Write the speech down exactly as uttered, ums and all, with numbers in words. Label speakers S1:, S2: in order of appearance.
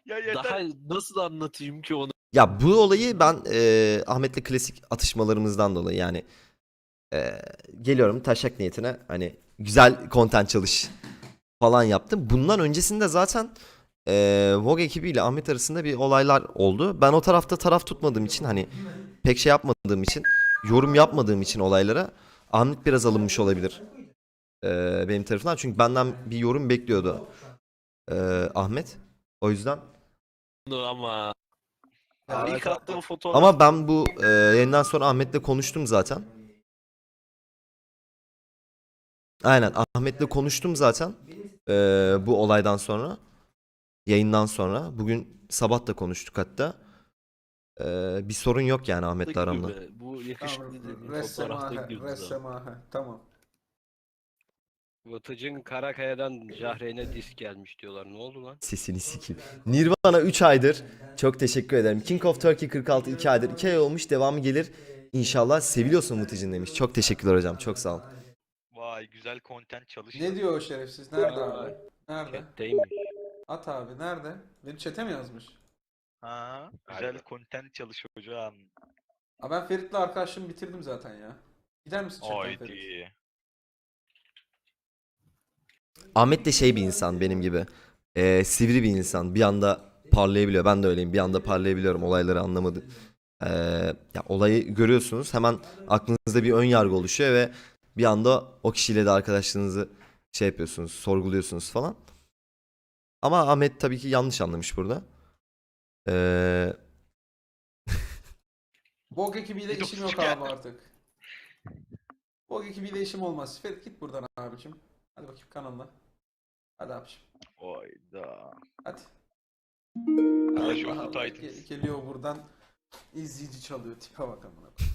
S1: Ya yeter.
S2: Daha nasıl anlatayım ki onu?
S3: Ya bu olayı ben e, Ahmet'le klasik atışmalarımızdan dolayı yani e, geliyorum taşak niyetine hani güzel content çalış falan yaptım. Bundan öncesinde zaten e, Vogue ekibiyle Ahmet arasında bir olaylar oldu. Ben o tarafta taraf tutmadığım için hani pek şey yapmadığım için yorum yapmadığım için olaylara Ahmet biraz alınmış olabilir e, benim tarafından. Çünkü benden bir yorum bekliyordu e, Ahmet. O yüzden.
S2: Ama
S1: Ya
S2: ilk
S1: mesela-
S2: attığım fotoğraf
S3: Ama ben bu e, yayından sonra Ahmet'le konuştum zaten. Aynen Ahmet'le konuştum zaten e, bu olaydan sonra. Yayından sonra. Bugün sabah da konuştuk hatta. E, bir sorun yok yani Ahmet'le aramda.
S2: gibi. Bu yakışıklı
S1: Tamam,
S2: dediğin
S1: Ressemahe,
S2: fotoğrafta gidiyordu zaten.
S1: Ressemahe. Tamam.
S4: Vıtıcın Karakaya'dan Jahreyn'e disk gelmiş diyorlar. Ne oldu lan?
S3: Sesini sikeyim. Nirvana üç aydır. Çok teşekkür ederim. King of Turkey kırk altı iki aydır. iki ay olmuş devamı gelir. İnşallah seviliyorsun Muticin demiş. Çok teşekkürler hocam. Çok sağ ol.
S5: Vay güzel content çalış.
S1: Ne diyor o şerefsiz? Nerede abi? Nerede?
S4: Chat'teymiş.
S1: At abi nerede? Benim chat'e mi yazmış?
S5: Ha, güzel content çalış hocam.
S1: Aa, ben Ferit'le arkadaşlığımı bitirdim zaten ya. Gider misin chatten Ferit?
S5: Haydi.
S3: Ahmet de şey bir insan benim gibi. Ee, sivri bir insan. Bir anda parlayabiliyor. Ben de öyleyim. Bir anda parlayabiliyorum. Olayları anlamadı. Ee, ya olayı görüyorsunuz. Hemen aklınızda bir ön yargı oluşuyor ve bir anda o kişiyle de arkadaşlığınızı şey yapıyorsunuz, sorguluyorsunuz falan. Ama Ahmet tabii ki yanlış anlamış burada. Ee,
S1: Bog ekibiyle
S5: Bir
S1: işim yok
S5: dokuz
S1: abi artık. Bog ekibiyle işim olmaz. Ferit git buradan abicim. Hadi bakayım kanalına. Hadi abicim.
S5: Hayda.
S1: Hadi.
S5: Clash
S1: Allah
S5: of
S1: Allah.
S5: the Titans.
S1: Ge- geliyor buradan izleyici çalıyor. Tipe bak amına.